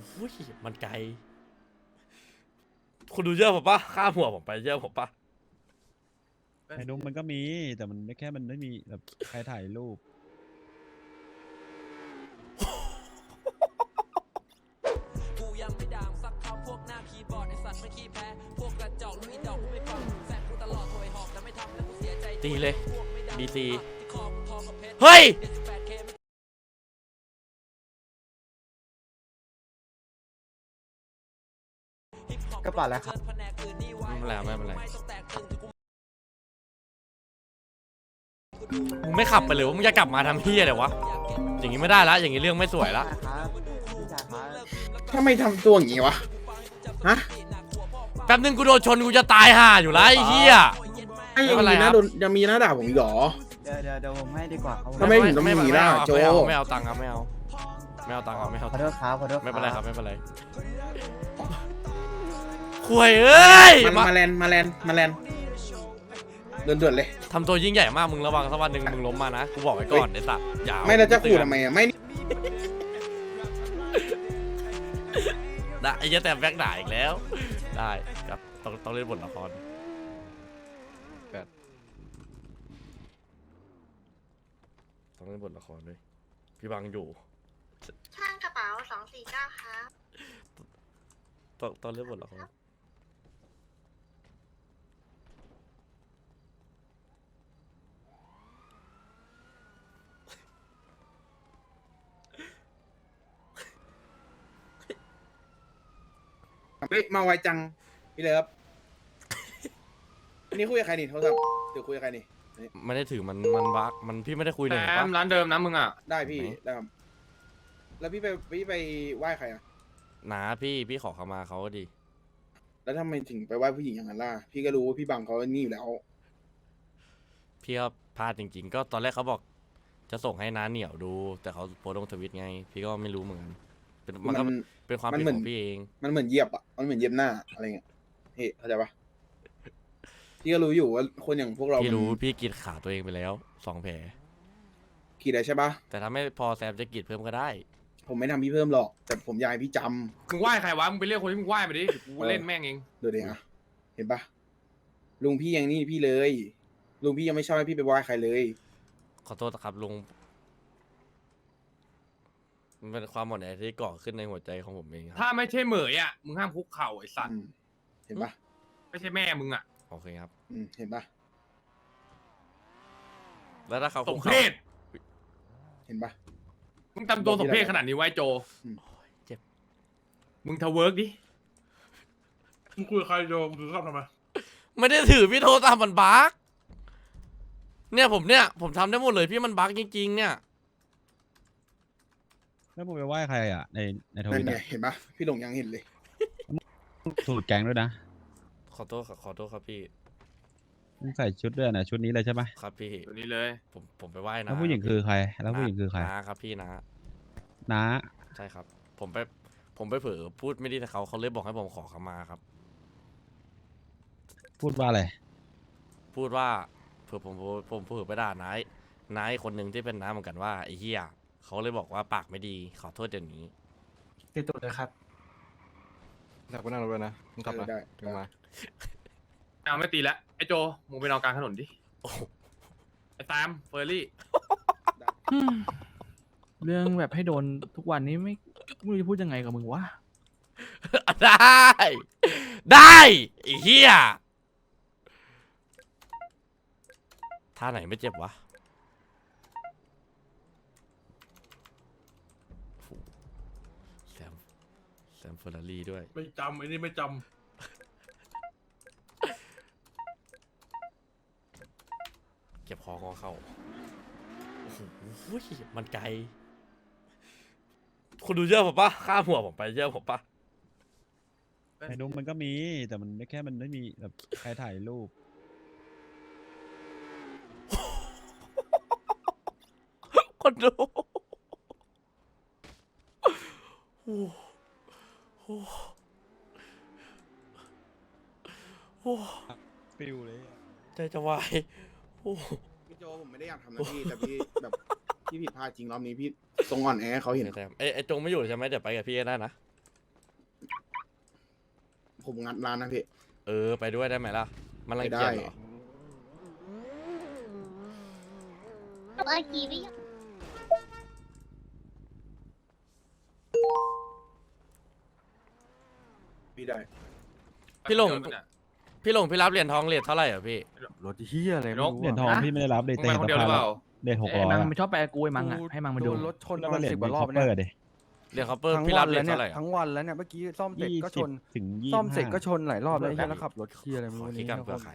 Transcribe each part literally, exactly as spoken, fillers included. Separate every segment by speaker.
Speaker 1: อ้ยมันไกลคุณดูเยอะผมปะข้ามหัวผมไปเยอะผมปะ
Speaker 2: ไอ้นุ้มมันก็มีแต่มันไม่แค่มันไม่มีแบบใครถ่ายรูป
Speaker 3: กูยังไม่ด่างสักคำพวกหน้าคีย์บอร์ดไอสัตว์ไม่ขี้แพ้พวกกระจอกลุยดอกกูไม่ฟังแซงกูตลอดถอยหอกแต่ไม่ทำแล้วกูเสียใจ
Speaker 1: ตีเลยบีซีเฮ้ย
Speaker 4: กระเป๋าแล้วครับ
Speaker 1: ไม่เป็นไรไม่เป็นไรมึงไม่ขับไปเลยว่ามึงจะกลับมาทำเฮียเดี๋ยววะอย่างงี้ไม่ได้ละอย่างงี้เรื่องไม่สวยละ
Speaker 4: ครับพี่ชายครับ
Speaker 5: ถ้าไม่ทำตัวอย่างงี้วะ ฮะ
Speaker 1: แป๊บนึงกูโดนชนกูจะตายห่าอยู่แล้วไอ้เฮีย
Speaker 5: ไอ้ยังมีหน้าโดนยังมีหน้าด่าผมอีกเหรอ
Speaker 4: เดี๋ยวเดี๋ยวเดี๋ยวผมให้ดีกว่าครับ
Speaker 5: ทำไมถึงต้องมีล่ะโจ
Speaker 1: ไม่เอาไม่เอาตังค์ครับไม่เอาไม่เอาตังค์ครับไม่เอา
Speaker 4: ขอโทษครับขอโทษ
Speaker 1: ไม่เป็นไรครับไม่เป็นไรคุยเอ้ย
Speaker 5: มันมาแลนมาแลนมาแลนเดินเดือดเลย
Speaker 1: ทำตัวยิ่งใหญ่มากมึงระวังสักวันหนึ่งมึงล้มมานะกูบอกไว้ก่อนไอ้สัตว์อย่า
Speaker 5: ไม่แล้วจะขู่ทำไมอ่ะ ไม่
Speaker 1: ได้ไอ้เหี้ยแต่แบ็กด่าอีกแล้วได้ครับต้องต้องเล่นบทละครต้องเล่นบทละครด้วยพี่บังอยู่
Speaker 6: ช่างกระเป๋าสองสี่เก้าครับ
Speaker 1: ต้องต้องเล่นบทละคร
Speaker 5: เฮ้ยมาไวจัง พี่เลิฟอันนี้คุยกับใครนี่โทรศัพท์เดี๋ยวคุยกับใครนี่
Speaker 1: ไม่ได้ถือมันมันบักมันพี่ไม่ได้คุยเลย
Speaker 7: แอมร้านเดิมนะมึงอ่ะ
Speaker 5: ได้พี่ได้ครับแล้วพี่ไปพี่ไปไหว้ใครอ่ะ
Speaker 1: นาพี่พี่ขอเขามาเขาก็ดี
Speaker 5: แล้วทำไมถึงไปไหว้ผู้หญิงอย่างนั้นล่ะ พี่ก็รู้ว่าพี่บังเขานี่อยู่แล้ว
Speaker 1: พี่ก็พลาดจริงๆ ก็ตอนแรกเขาบอกจะส่งให้น้าเหนียวดู แต่เขาโพสต์ลงทวิตไง พี่ก็ไม่รู้เหมือนกันเป็นมันก็
Speaker 5: มัน
Speaker 1: เป็นความ
Speaker 5: มัน
Speaker 1: ผิด
Speaker 5: เหมือน
Speaker 1: ของพี่เอง
Speaker 5: มันเหมือนเหยียบอ่ะ มันเหมือนเหยียบหน้าอะไรเงี้ยเฮ้ยเข้าใจปะพี่ก็รู้อยู่ว่าคนอย่างพวกเรา
Speaker 1: พี่รู้
Speaker 5: มัน
Speaker 1: พี่กรีดขาตัวเองไปแล้วสองแผล
Speaker 5: ขีดได้ใช่ปะ
Speaker 1: แต่ถ้าไม่พอแซมจะกรีดเพิ่มก็ได้
Speaker 5: ผมไม่ทำพี่เพิ่มหรอก แต่ผมอยากให้พี่จำ
Speaker 7: มึงไหว้ใครวะ มึงไปเรียกคนที่มึงไหว้มาดิเดี๋ยวกูเล่นแม่งเอง
Speaker 5: ดูดิอ่ะ เห็นปะลุงพี่ยังนี่พี่เลย ลุงพี่ยังไม่ชอบให้พี่ไปไหว้ใครเลย
Speaker 1: ขอโทษนะครับลุงมันเป็นความหมดแอที่ก่อขึ้นในหัวใจของผมเองค
Speaker 7: ถ้า
Speaker 1: รับ
Speaker 7: ไม่ใช่เหมยอ่ะ มึงห้ามคุกเข่าไอ้สัต
Speaker 5: อื
Speaker 7: ว์
Speaker 5: มเห็นปะ
Speaker 7: ไม่ใช่แม่มึงอ่ะ
Speaker 1: โอเคครับ
Speaker 5: อืมเห็นปะ
Speaker 1: แล้วถ้าเขา
Speaker 7: ส
Speaker 1: คุ
Speaker 7: ม
Speaker 1: ก
Speaker 7: เพ
Speaker 1: เข่า
Speaker 7: ศ
Speaker 5: เห็นปะ
Speaker 7: มึงทำตัวสมเพศขนาดนี้ไว้โจ
Speaker 1: เจ็บ
Speaker 7: มึงทะเวิร์กดิ
Speaker 8: มึงคุยกับใครโยมถือข้ามทำไม
Speaker 1: ไม่ได้ถือพี่โทรตามมันบักเนี่ยผมเนี่ยผมทำได้หมดเลยพี่มันบักจริงๆเนี่ย
Speaker 2: แล้วมึงไปไหว้ใครอ่ะในในท
Speaker 5: นั่
Speaker 2: วิ
Speaker 5: น
Speaker 2: ต
Speaker 5: ไง
Speaker 2: อ่ะ
Speaker 5: เห็นปะพี่หลงยังเห็นเลย
Speaker 2: สูตรแก๊งด้วยนะ
Speaker 1: ขอโทษครับขอโทษครับพี่
Speaker 2: มึงใส่ชุดด้วยนะชุดนี้เลยใช่ไหม
Speaker 1: ครับพี่
Speaker 7: ตัวนี้เลย
Speaker 1: ผมผมไปไหว้นะ
Speaker 2: แล้วผู้หญิงคือใคร แล้วผู้หญิงคือใคร
Speaker 1: น้าครับพี่นะ
Speaker 2: น้า
Speaker 1: ใช่ครับ ผมไปผมไปเผลอพูดไม่ดีกับเขาเขาเลยบอกให้ผมขอเขามาครับ
Speaker 2: พูดว่าอะไร
Speaker 1: พูดว่าเผื่อผมผมผมเผื่อไปด่านายนายคนหนึ่งที่เป็นน้าเหมือนกันว่าไอ้เหี้ยเขาเลยบอกว่าปากไม่ดีขอโทษเดี๋ยวนี้
Speaker 4: ติดตัวเลยครับ
Speaker 8: อยากไปนั่งรถด้วยนะมึงขับมา
Speaker 5: ได้
Speaker 8: ถึงมา
Speaker 7: เอาไม่ตีแล้วไอ้โจ มึงไปนอนกลางถนนดิ
Speaker 1: โอ้โห
Speaker 7: ไอ้แซมเฟอร์รี่
Speaker 9: เรื่องแบบให้โดนทุกวันนี้ไม่ไม่รู้จะพูดยังไงกับมึงวะ
Speaker 1: ได้ ได้ไอ้เหี้ยท่าไหนไม่เจ็บวะโอ้โหแซมแซมเฟอร์รารี่ด้วย
Speaker 8: ไม่จำไอ้นี่ไม่จ
Speaker 1: เก็บคอคอเข้าโอ้โหมันไกลคุณดูเยอะผมปะข้ามหัวผมไปเยอะผมปะ
Speaker 2: ไอ้นุ้มมันก็มีแต่มันไม่แค่มันไม่มีแบบใครถ่ายรูป
Speaker 1: คนดูโอ้โหโอ้โห
Speaker 2: ฟิวเลย
Speaker 1: ใจจะวายโอ้โห
Speaker 5: พี่โจผมไม่ได้อยากทำนะพี่ แต่พี่แบบพี่ผิดพลาดจริงรอบนี้พี่ตรงอ่อนแอให้เขาเห็น
Speaker 1: แต่ไอ้ไอ้จงไม่อยู่ใช่ไหมเดี๋ยวไปกับพี่ก็ได้นะ
Speaker 5: ผมงัดร้านนะพี่
Speaker 1: เออไปด้วยได้ไหมล่ะ มันรังเกียจเหรอ
Speaker 6: เมื่อกี้พี่
Speaker 5: พี่ได้
Speaker 1: พี่หลง
Speaker 7: เดี๋ยวมันอะ
Speaker 1: พี่หลงพี่รับเหรียญทองเหรียญเท่าไหร่อ่ะพี่
Speaker 8: รถเฮียอะไรไม่รู้
Speaker 2: เหรียญทองพี่ไม่ได้รับเลย
Speaker 7: มึง
Speaker 2: แต่
Speaker 7: ไป
Speaker 2: เห็น
Speaker 7: คน
Speaker 2: ส
Speaker 7: เดียวหรื
Speaker 2: ภา
Speaker 7: อ
Speaker 2: พ
Speaker 7: เปล่า
Speaker 2: เหรียญหก
Speaker 9: ไอ้
Speaker 2: ร้อย
Speaker 9: มัง
Speaker 2: อะ
Speaker 9: มันชอบไปกูไอ้มังอ่ะให้มังมาดู
Speaker 8: โดนรถชน
Speaker 2: แล้ว
Speaker 8: ประ
Speaker 2: ก็
Speaker 8: มาณ
Speaker 2: เหรียญ
Speaker 8: สิบกว่า
Speaker 2: มี
Speaker 8: รอ
Speaker 2: ช็
Speaker 8: บ
Speaker 2: อป
Speaker 8: แล้ว
Speaker 2: เปอ
Speaker 8: เนี่ย
Speaker 2: ร์ดิ
Speaker 1: เหรียญคอปเปอร์
Speaker 8: ทั้ง
Speaker 1: พี่
Speaker 8: วั
Speaker 1: รับ
Speaker 8: น
Speaker 1: เหรี
Speaker 8: แล้
Speaker 1: ยว ญ
Speaker 8: เนี่ย
Speaker 1: เท่าไหร่อ่ะ
Speaker 8: ทั้งวันแล้วเนี่ยเมื่อกี้ซ่อมเสร็จ
Speaker 2: ยี่
Speaker 8: ก็ช
Speaker 2: สิบ
Speaker 8: น
Speaker 2: ถึงยี่
Speaker 8: ซ่อม
Speaker 2: ห้า
Speaker 8: เสร็จก็ชนหลายรอบแล้วไอ้เหี้ยแล้วขับรถเฮียอะไรไม่
Speaker 1: ขอ
Speaker 8: รู้
Speaker 1: คิด
Speaker 8: นี่
Speaker 1: กัน
Speaker 8: ทุก
Speaker 1: เพื่อ
Speaker 8: คน
Speaker 1: ขาย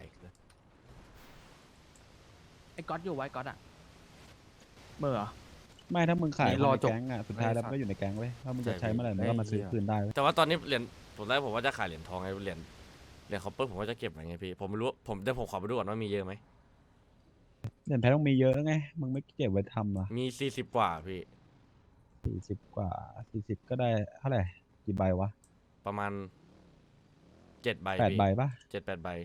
Speaker 9: ไอ้ก๊อตอยู่ไว้ก๊อตอ่ะเมื่อเหรอ
Speaker 2: ไม่ถ้ามึงขายคนในแก๊งอ่ะสุดท้ายแล้วมันก็อยู่ในแก๊งเว้ยถ้ามึงจะใช้เมื่อไหร่มึงก็มาซื้อคืนได้เว้ย
Speaker 1: แต่ว่าตอนนี้เหรียญผมแรกผมว่าจะขายเหรียญทองไงเหรียญเหรียญคอปเปอร์ผมว่าจะเก็บไว้ไงพี่ผมไม่รู้ผมเดี๋ยวผมขอไปดูก่อนว่ามีเยอะไหม
Speaker 2: เหรียญแพ้ต้องมีเยอะไงมึงไม่เก็บไว้ทำอ่ะ
Speaker 1: มีสี่สิบกว่าพี่
Speaker 2: สี่สิบกว่าสี่สิบก็ได้เท่าไหร่กี่ใบวะ
Speaker 1: ประมาณเจ็ดใบ
Speaker 2: แปด
Speaker 1: พี่
Speaker 2: ใบปะ
Speaker 1: เจ็ดแปดใบ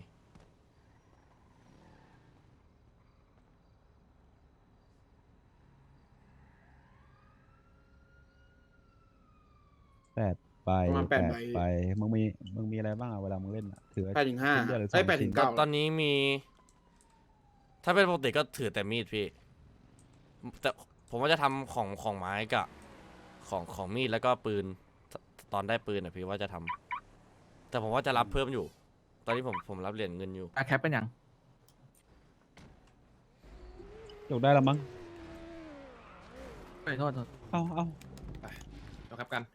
Speaker 2: แปดใบ
Speaker 5: ประมาณแปดใบ
Speaker 2: ใบมึงมีมึงมีอะไรบ้างอะเวลามึงเล่นอะถือ
Speaker 5: แปดถึงห้า
Speaker 2: ชิ้นเดียวหรือสอง
Speaker 5: ไอ้แปด
Speaker 2: ชิ้
Speaker 5: ถึ
Speaker 2: น
Speaker 5: งเก้า
Speaker 1: ตอนนี้มี ถ้าเป็นปกติก็ถือแต่มีดพี่ แต่ผมว่าจะทำของของไม้กับของของมีดแล้วก็ปืนตตอนได้ปืนอ่ะพี่ว่าจะทำแต่ผมว่าจะรับเพิ่มอยู่ ตอนนี้ผมผมรับเหรียญเงินอยู่
Speaker 9: อะแคปเป็นยัง
Speaker 2: จบได้แล้วมั้ง
Speaker 9: เฮ้ยโทษโทษ
Speaker 2: เอาเอา
Speaker 7: เดี๋ยวครับกัน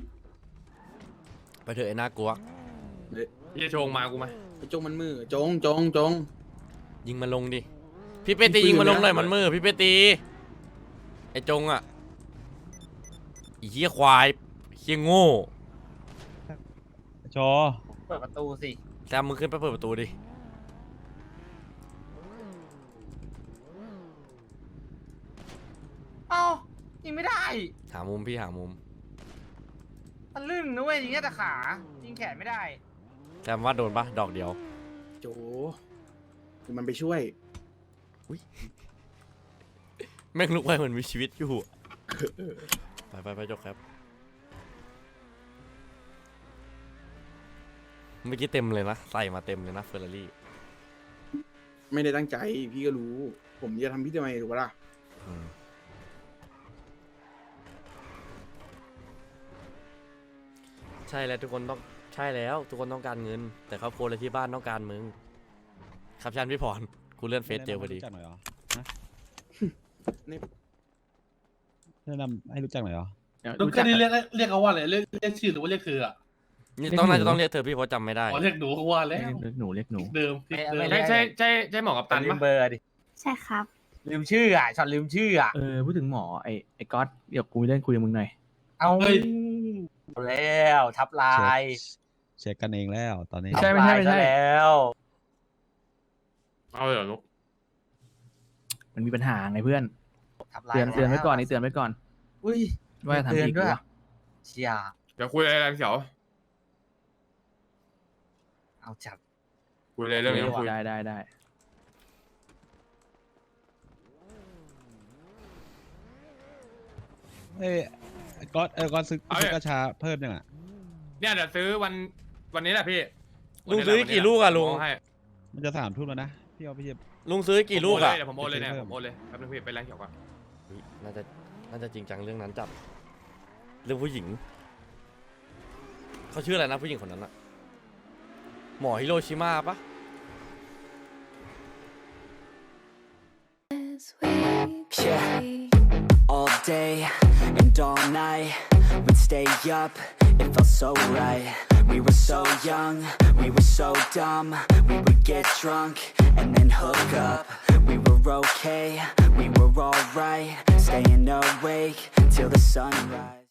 Speaker 1: ไปเถอะไอ้น่ากลัว
Speaker 7: พี่จะโชงมากูไหม
Speaker 5: ไอ้จงมันมือจงจงจง
Speaker 1: ยิงมันลงดิ พี่เปตียิงมันลงหน่อยมันมือพี่เปตีไอ้จงอ่ะไอ้เหี้ยควายเหี้ยโง่
Speaker 2: ชอ
Speaker 4: เปิดประตูสิ
Speaker 1: แซมมึงขึ้นไปเปิดประตูดิ
Speaker 4: เอ้ายิงไม่ได้
Speaker 1: หามุมพี่หามุม
Speaker 4: มันลื่นนะเว้ยยิงแค่แต่ขายิงแขนไม่ได้
Speaker 1: แซมว่าโดนปะดอกเดียว
Speaker 5: โจเดี๋ยวมันไปช่วย
Speaker 1: แม่งลุกไปเหมือนมีชีวิตอยู่ ไปไปไปจบครับ เมื่อกี้เต็มเลยนะ ใส่มาเต็มเลยนะเฟอร์รารี่
Speaker 5: ไม่ได้ตั้งใจพี่ก็รู้ ผมจะทำพี่ทำไมถูกปะล่ะ
Speaker 1: ใช่แล้วทุกคนต้องใช่แล้ว ทุกคนต้องการเงิน แต่ครอบครัวและที่บ้านต้องการมึง ครับชันพี่พรกูเลื่อนเฟซเจอพอดี
Speaker 2: แนะนำให้รู้จักหน่อยเหรอฮะ
Speaker 5: นี่
Speaker 2: แนะนำให้รู้จักหน่อยเหรอ
Speaker 9: เดี๋ยว
Speaker 8: ต้อง
Speaker 9: รู้
Speaker 8: แค่
Speaker 9: จัก
Speaker 8: นี้เรียกเรียกเขาว่าอะไรเรียกเรียกชื่อหรือว่าเรียกเธออ่ะ
Speaker 1: นี่ต้องน่าจะต้องเรียกเธอพี่เพราะจำไม่ได้
Speaker 8: อ๋อเรียกหนูเขาว่าแล้ว
Speaker 9: เรียกหนูเรียกหนู
Speaker 8: เดิมที่เดิม
Speaker 7: ใช่ใช่ใช่ใช่หมอกับตัน
Speaker 4: ลื
Speaker 7: ปะ
Speaker 4: มเบอร์ดิ
Speaker 6: ใช่ครับ
Speaker 4: ลืมชื่ออ่ะช็อตลืมชื่ออ่ะ
Speaker 9: เออพูดถึงหมอไอ้ไอ้ก๊อตเดี๋ยวกูมีเรื่องคุยกับมึงหน่อย
Speaker 4: เอา
Speaker 8: เฮ้ย
Speaker 4: แล้วทับลา
Speaker 2: เช็
Speaker 4: ย
Speaker 2: คเช็คกันเองแล้วตอนนี้
Speaker 9: ไม่ใช่ไม่ใช่ไม่ใช่
Speaker 4: ทับลายซะแล้ว
Speaker 7: เอาเลยเหรอลูก
Speaker 9: มันมีปัญหาไงเพื่อน
Speaker 4: ทับลาย
Speaker 9: เตือนเตือนไว้ก่อน
Speaker 4: แล้ว
Speaker 9: นี่เตือนไว้ก่อน
Speaker 4: อุ้ย
Speaker 9: ว่าจะทำ
Speaker 4: เตือน
Speaker 9: อีก
Speaker 4: ด้วย
Speaker 9: วะ
Speaker 4: เชียร์
Speaker 7: เดี๋ยวคุยอะไรกันเขียว
Speaker 4: เอาจับ
Speaker 7: คุยอะไรเรื่องนี้คุย
Speaker 9: ได้ได้ได้
Speaker 2: เอ้ยก๊อตเออก๊อตซื้อ
Speaker 7: เอา
Speaker 2: ซื้อ
Speaker 7: เนี่ย
Speaker 2: กระชาเพิ่มยังอ่ะ
Speaker 7: เนี่ยเดี๋ยวซื้อวันวันนี้แหละพี่
Speaker 1: ลุงซื้อกี่ลูกอะลุง
Speaker 7: ผมเอาให้
Speaker 2: มันจะสามทุ่มแล้วนะพี่เอาพี่จะ
Speaker 1: ลุงซื้อกี่ลูกอะ
Speaker 7: เดี๋ยวผมโอนเลยเนี่ยผมโอนเลยแป๊บนึงพี่ไปแรงเขียวก่อน
Speaker 1: เฮ้ยน่าจะน่าจะจริงจังเรื่องนั้นจับเรื่องผู้หญิงเขาชื่ออะไรนะผู้หญิงคนนั้นอะหมอฮิโรชิมาปะ
Speaker 3: Yeah, all day and all night, we'd stay up, it felt so right. We were so young, we were so dumb, we would get drunk and then hook up. We were okay, we were alright, staying awake till the sunrise.